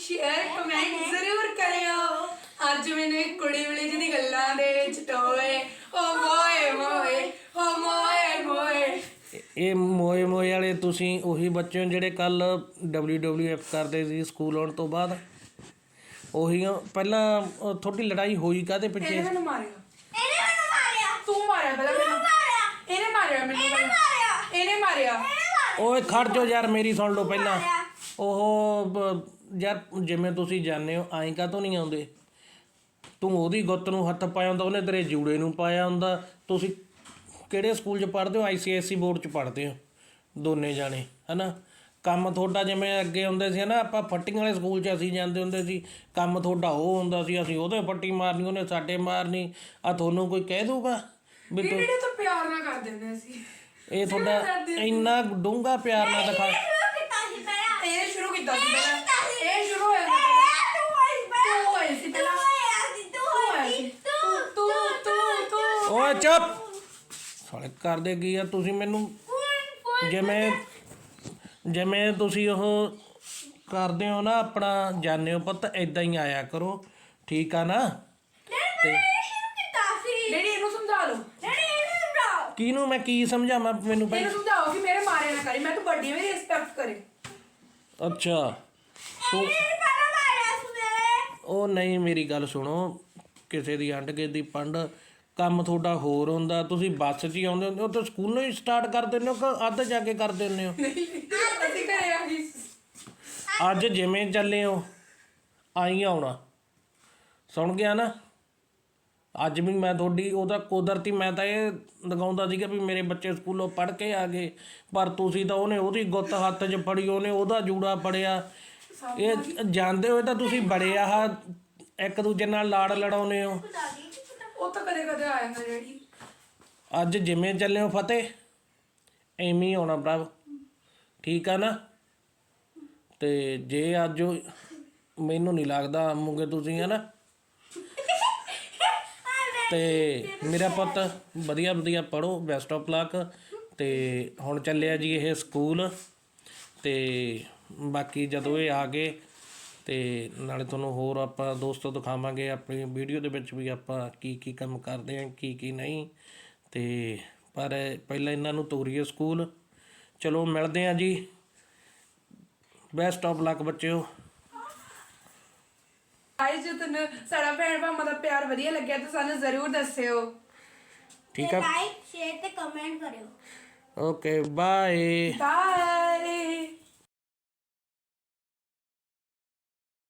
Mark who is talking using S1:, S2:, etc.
S1: Share comment जरूर करियो। ਅੱਜ मैंने कुड़ी वाली जी दी गल्लां दे चटोए ओ मोए मोए ओ मोए मोए।
S2: ਇਹ ਮੋਏ ਮੋਏ ਵਾਲੇ ਤੁਸੀਂ ਉਹੀ ਬੱਚੇ ਹੋ ਜਿਹੜੇ ਕੱਲ WWF ਕਰਦੇ ਸੀ ਸਕੂਲ ਆਉਣ ਤੋਂ ਬਾਅਦ। ਉਹੀ ਪਹਿਲਾਂ ਤੁਹਾਡੀ ਲੜਾਈ ਹੋਈ ਕਾਹਦੇ ਪਿੱਛੇ?
S1: ਇਹਨੇ ਮੈਨੂੰ ਮਾਰਿਆ। ਤੂੰ ਮਾਰਿਆ ਪਹਿਲਾਂ ਮੈਨੂੰ। ਇਹਨੇ ਮਾਰਿਆ ਮੈਨੂੰ ਪਹਿਲਾਂ। ਇਹਨੇ ਮਾਰਿਆ।
S2: ਓਏ ਖੜ ਜਾਓ ਯਾਰ, ਮੇਰੀ ਸੁਣ ਲਓ ਪਹਿਲਾਂ। ਉਹ ਯਾਰ ਜਿਵੇਂ ਤੁਸੀਂ ਜਾਣਦੇ ਹੋ ਆਏਂ ਕਾਹਤੋਂ ਨਹੀਂ ਆਉਂਦੇ? ਤੂੰ ਉਹਦੀ ਗੁੱਤ ਨੂੰ ਹੱਥ ਪਾਇਆ ਹੁੰਦਾ, ਉਹਨੇ ਤੇਰੇ ਜੂੜੇ ਨੂੰ ਪਾਇਆ ਹੁੰਦਾ। ਤੁਸੀਂ ਕਿਹੜੇ ਸਕੂਲ 'ਚ ਪੜ੍ਹਦੇ ਹੋ? ICSE ਬੋਰਡ 'ਚ ਪੜ੍ਹਦੇ ਹੋ ਦੋਨੇ ਜਾਣੇ, ਹੈ ਨਾ। ਕੰਮ ਤੁਹਾਡਾ ਜਿਵੇਂ ਅੱਗੇ ਹੁੰਦੇ ਸੀ ਨਾ, ਆਪਾਂ ਫੱਟੀਆਂ ਵਾਲੇ ਸਕੂਲ 'ਚ ਅਸੀਂ ਜਾਂਦੇ ਹੁੰਦੇ ਸੀ। ਕੰਮ ਤੁਹਾਡਾ ਉਹ ਹੁੰਦਾ ਸੀ, ਅਸੀਂ ਉਹਦੇ ਫੱਟੀ ਮਾਰਨੀ, ਉਹਨੇ ਸਾਡੇ ਮਾਰਨੀ। ਆ ਤੁਹਾਨੂੰ ਕੋਈ ਕਹਿ ਦੂਗਾ ਵੀ ਤੂੰ
S1: ਤਾਂ ਪਿਆਰ ਨਾਲ ਕਰ ਦਿੰਦੇ ਸੀ।
S2: ਇਹ ਤੁਹਾਡਾ ਇੰਨਾ ਡੂੰਘਾ ਪਿਆਰ ਨਾਲ ਦਿਖਾ।
S1: ਇਹ ਸ਼ੁਰੂ ਕੀਤਾ ਸੀ ਪਹਿਲਾਂ। ਇਹ ਸ਼ੁਰੂ ਹੋਇਆ ਸੀ ਪਹਿਲਾਂ।
S2: ਓਏ ਚੁੱਪ ਸਾਲੇ ਕਰਦੇ ਕੀ ਆ ਤੁਸੀਂ ਮੈਨੂੰ? ਜਿਵੇਂ ਤੁਸੀਂ ਉਹ ਕਰਦੇ ਹੋ ਨਾ ਆਪਣਾ ਜਾਣਦੇ ਹੋ ਪੁੱਤ, ਇੱਦਾਂ ਹੀ ਆਇਆ ਕਰੋ, ਠੀਕ ਆ ਨਾ? ਤੇ
S1: ਡੈਡੀ ਇਹਨੂੰ ਸਮਝਾ ਲਓ।
S2: ਕਿਹਨੂੰ ਮੈਂ ਕੀ ਸਮਝਾਵਾਂ? ਮੈਨੂੰ
S1: ਇਹਨੂੰ ਸਮਝਾਓ ਕਿ ਮੇਰੇ ਮਾਰੇ ਨਾ ਕਰੀ, ਮੈਂ ਤਾਂ ਵੱਡੀ ਮੇਰੀ ਰਿਸਪੈਕਟ ਕਰੇ।
S2: ਅੱਛਾ ਤੂੰ ਉਹ ਨਹੀਂ, ਮੇਰੀ ਗੱਲ ਸੁਣੋ। ਕਿਸੇ ਦੀ ਅੰਡ ਕੇ ਦੀ ਪੰਡ ਕੰਮ ਤੁਹਾਡਾ ਹੋਰ ਹੁੰਦਾ। ਤੁਸੀਂ ਬੱਸ 'ਚ ਹੀ ਆਉਂਦੇ ਹੁੰਦੇ ਹੋ ਤਾਂ ਸਕੂਲੋਂ ਹੀ ਸਟਾਰਟ ਕਰ ਦਿੰਦੇ ਹੋ ਕਿ ਅੱਧ ਜਾ ਕੇ ਕਰ ਦਿੰਦੇ ਹੋ?
S1: ਅਸੀਂ ਘਰੇ ਆ ਗਈ।
S2: ਅੱਜ ਜਿਵੇਂ ਚੱਲੇ ਹੋ ਆਈ ਆਉਣਾ, ਸੁਣ ਗਿਆ ਨਾ? ਅੱਜ ਵੀ ਮੈਂ ਤੁਹਾਡੀ ਉਹਦਾ ਕੁਦਰਤੀ ਮੈਂ ਤਾਂ ਇਹ ਲਗਾਉਂਦਾ ਸੀਗਾ ਵੀ ਮੇਰੇ ਬੱਚੇ ਸਕੂਲੋਂ ਪੜ੍ਹ ਕੇ ਆ ਗਏ, ਪਰ ਤੁਸੀਂ ਤਾਂ ਉਹਦੀ ਗੁੱਤ ਹੱਥ 'ਚ ਫੜੀ, ਉਹਨੇ ਉਹਦਾ ਜੂੜਾ ਫੜਿਆ। ਇਹ ਜਾਣਦੇ ਹੋਏ ਤਾਂ ਤੁਸੀਂ ਬੜੇ ਆਹ ਇੱਕ ਦੂਜੇ ਨਾਲ ਲਾੜ ਲੜਾਉਂਦੇ ਹੋ।
S1: ਉਹ ਤਾਂ ਕਦੇ ਕਦੇ ਆ ਜਾਂਦਾ ਡੈਡੀ।
S2: ਅੱਜ ਜਿਵੇਂ ਚੱਲੇ ਹੋ ਫਤਿਹ ਐਵੇਂ ਹੀ ਆਉਣਾ ਭਰਾ, ਠੀਕ ਆ ਨਾ? ਤੇ ਜੇ ਅੱਜ ਮੈਨੂੰ ਨਹੀਂ ਲੱਗਦਾ ਆਵੋਗੇ ਤੁਸੀਂ, ਹੈ ਨਾ? ਤੇ ਮੇਰਾ ਪੁੱਤ ਵਧੀਆ ਵਧੀਆ ਪੜ੍ਹੋ, ਬੈਸਟ ਆਫ ਲੱਕ। ਤੇ ਹੁਣ ਚੱਲਿਆ ਜੀ ਇਹ ਸਕੂਲ, ਤੇ ਬਾਕੀ ਜਦੋਂ ਇਹ ਆ ਗਏ ਤੇ ਨਾਲੇ ਤੁਹਾਨੂੰ ਹੋਰ ਆਪਾਂ ਦੋਸਤੋ ਦਿਖਾਵਾਂਗੇ ਆਪਣੀ ਵੀਡੀਓ ਦੇ ਵਿੱਚ ਵੀ ਆਪਾਂ ਕੀ ਕੀ ਕੰਮ ਕਰਦੇ ਹਾਂ, ਕੀ ਨਹੀਂ। ਤੇ ਪਰ ਪਹਿਲਾਂ ਇਹਨਾਂ ਨੂੰ ਤੋਰੀਏ ਸਕੂਲ। ਚਲੋ ਮਿਲਦੇ ਹਾਂ ਜੀ। ਬੈਸਟ ਆਫ ਲੱਕ ਬੱਚਿਓ।
S1: ਜੇ ਤੁਹਾਨੂੰ ਸਾਡਾ ਭੈਣ ਭਾਵਾਂ ਦਾ ਪਿਆਰ ਵਧੀਆ ਲੱਗਿਆ ਤਾਂ ਸਾਨੂੰ ਜ਼ਰੂਰ ਦੱਸਿਓ,
S2: ਠੀਕ ਆ?
S3: ਲਾਈਕ ਸ਼ੇਅਰ ਤੇ ਕਮੈਂਟ ਕਰਿਓ।
S2: Okay bye.
S1: ਬਾਏ।